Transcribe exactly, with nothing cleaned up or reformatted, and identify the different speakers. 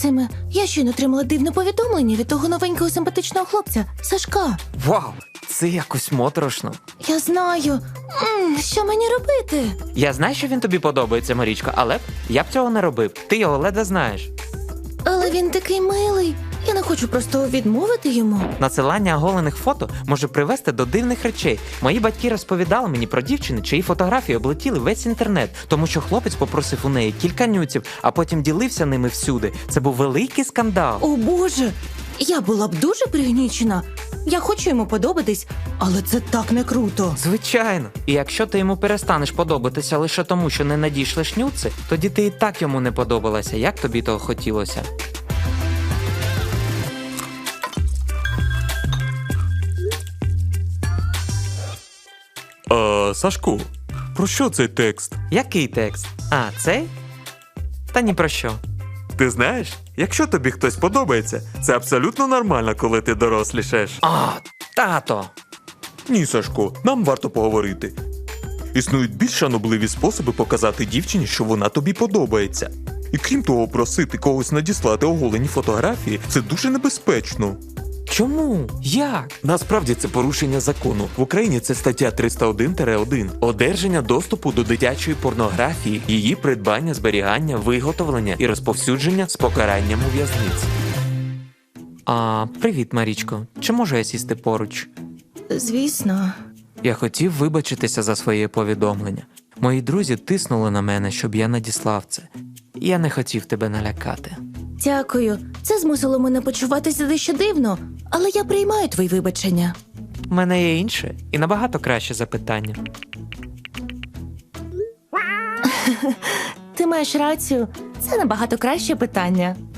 Speaker 1: Максиме, я щойно отримала дивне повідомлення від того новенького симпатичного хлопця, Сашка.
Speaker 2: Вау, це якось моторошно.
Speaker 1: Я знаю. М, що мені робити?
Speaker 2: Я знаю, що він тобі подобається, Марічко, але б я б цього не робив. Ти його ледве знаєш.
Speaker 1: Але він такий милий. Я не хочу просто відмовити йому.
Speaker 2: Надсилання оголених фото може привести до дивних речей. Мої батьки розповідали мені про дівчини, чиї фотографії облетіли весь інтернет, тому що хлопець попросив у неї кілька нюців, а потім ділився ними всюди. Це був великий скандал.
Speaker 1: О, Боже! Я була б дуже пригнічена. Я хочу йому подобатись, але це так не круто.
Speaker 2: Звичайно. І якщо ти йому перестанеш подобатися лише тому, що не надійшлеш нюци, тоді ти і так йому не подобалася, як тобі того хотілося.
Speaker 3: А, Сашко, про що цей текст?
Speaker 2: Який текст? А, цей? Та ні про що.
Speaker 3: Ти знаєш, якщо тобі хтось подобається, це абсолютно нормально, коли ти дорослішаєш.
Speaker 2: А, тато!
Speaker 3: Ні, Сашко, нам варто поговорити. Існують більш шанобливі способи показати дівчині, що вона тобі подобається. І крім того, просити когось надіслати оголені фотографії – це дуже небезпечно.
Speaker 2: Чому? Як?
Speaker 3: Насправді це порушення закону. В Україні це стаття триста один один. Одержання доступу до дитячої порнографії, її придбання, зберігання, виготовлення і розповсюдження з покаранням у в'язниці.
Speaker 2: А, привіт, Марічко. Чи можу я сісти поруч?
Speaker 1: Звісно.
Speaker 2: Я хотів вибачитися за своє повідомлення. Мої друзі тиснули на мене, щоб я надіслав це. Я не хотів тебе налякати.
Speaker 1: Дякую. Це змусило мене почуватися дещо дивно, але я приймаю твої вибачення.
Speaker 2: У мене є інше і набагато краще запитання.
Speaker 1: Ти маєш рацію. Це набагато краще питання.